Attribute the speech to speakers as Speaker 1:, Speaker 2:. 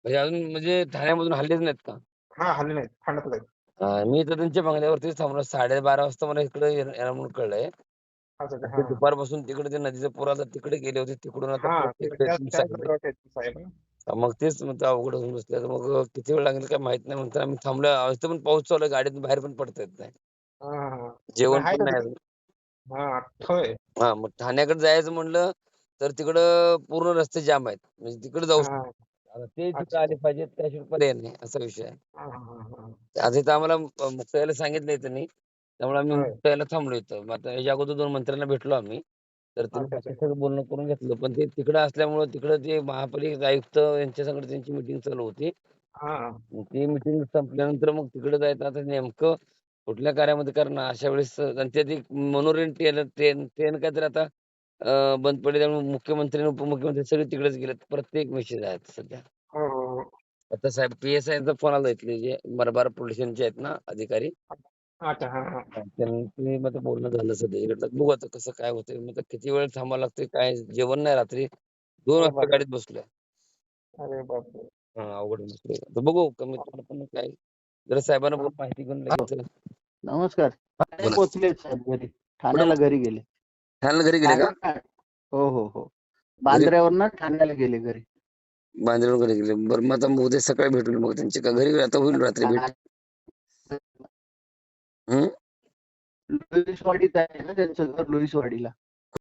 Speaker 1: म्हणजे अजून म्हणजे ठाण्यामधून हल्लेच नाहीत का?
Speaker 2: हां, हल्ले नाहीत. ठाण्यातच आहेत.
Speaker 1: मी तर त्यांच्या बंगल्यावरतीच थांबलो. 12:30 वाजता मला इकडे येणार म्हणून कळलंय.
Speaker 2: अच्छा, अच्छा.
Speaker 1: आणि ते
Speaker 2: हां.
Speaker 1: दुपारपासून तिकडे ते नदीचा पूर आला तिकडे गेले होते. तिकडून आता
Speaker 2: हां,
Speaker 1: परत
Speaker 2: ते
Speaker 1: इकडे
Speaker 2: त्याच
Speaker 1: तुम्ही
Speaker 2: त्याच
Speaker 1: सांगितले.
Speaker 2: रस्त्यावर आहेत साहेब ना.
Speaker 1: मग तेच मग ते अवघड होऊन बसले. तर मग किती वेळ लागेल काय माहीत नाही. म्हणताना आम्ही थांबलो. इथं पण पाऊस चालू आहे. गाडीतून बाहेर पण पडता येत नाही.
Speaker 2: हां, हां, हां. मग
Speaker 1: जेवण
Speaker 2: आहे
Speaker 1: पण
Speaker 2: का
Speaker 1: नाही
Speaker 2: तिकडे?
Speaker 1: अजून.
Speaker 2: हां, होय.
Speaker 1: मग ठाण्याकडे जायचं म्हटलं, तर तिकडं पूर्ण रस्ते जाम आहेत. म्हणजे तिकडे जाऊ
Speaker 2: हां,
Speaker 1: शकतो.
Speaker 2: हां.
Speaker 1: आता ते तिथं
Speaker 2: अच्छा,
Speaker 1: आले
Speaker 2: अच्छा.
Speaker 1: पाहिजेत त्याशिवाय पर्याय नाही, असा विषय आहे.
Speaker 2: हां, हां, हां, हां.
Speaker 1: आता इथं आम्हाला मुक्ताईला सांगितलंय त्यांनी. त्यामुळे आम्ही
Speaker 2: होय.
Speaker 1: मुक्ताईला थांबलो इथं. मग आता याच्या अगोदर 2 मंत्र्यांना भेटलो आम्ही. तर त्यांनी
Speaker 2: अच्छा, अच्छा.
Speaker 1: बाकी सगळं बोलणं करून घेतलं. पण ते तिकडं असल्यामुळं तिकडं ते महापालिकेचे आयुक्त यांच्या संग त्यांची मीटिंग चालू होती.
Speaker 2: हां.
Speaker 1: मग ती मीटिंग संपल्यानंतर मग तिकडे जायचं आता नेमकं कुठल्या कार्यामध्ये करणार अशा वेळेस आणि त्यात एक मनोरंजन ट्रेन ट्रेन काहीतरी आता बंद पडली त्यामुळे मुख्यमंत्री आणि उपमुख्यमंत्री सगळे तिकडेच गेलेत. प्रत्येक विषय आहेत सध्या.
Speaker 2: हो, हो, हो.
Speaker 1: आता साहेब पी-एस-आयचा फोन आला इथले जे मलबार पोलीस स्टेशनचे आहेत ना अधिकारी.
Speaker 2: अच्छा. हां, हां.
Speaker 1: त्यांनी मग ते बोलणं झालं सध्या इकडलं. बघू आता कसं काय होतंय. मग आता किती वेळ थांबावं लागतंय काय जेवण नाही रात्री 2
Speaker 2: अरे
Speaker 1: वाजता
Speaker 2: बापरे!
Speaker 1: गाडीत बसलोय.
Speaker 2: अरे बापरे!
Speaker 1: अवघड बसलोय. तर बघू कमीत कमी पण काय जरा साहेबांना
Speaker 2: हां.
Speaker 1: बोलून माहिती घेऊन
Speaker 3: हॅलो.
Speaker 1: लगेच
Speaker 3: नमस्कार. ठाणे
Speaker 1: बोला.
Speaker 3: पोहोचले साहेब घरी.
Speaker 1: कुठं
Speaker 3: ठाण्याला घरी गेले.
Speaker 1: ठाण्याला घरी गेले का?
Speaker 3: ठाणे हो, हो, हो.
Speaker 1: घरी
Speaker 3: बांद्र्यावरनं ठाण्याला गेले घरी.
Speaker 1: बांद्र्यावरून घरी गेले. बरं मग आता उद्या सकाळी भेटून मग त्यांची का घरी आता होईल रात्री भेट. हं?
Speaker 3: लुईसवाडीत आहे ना त्यांचं घर लुईसवाडीला.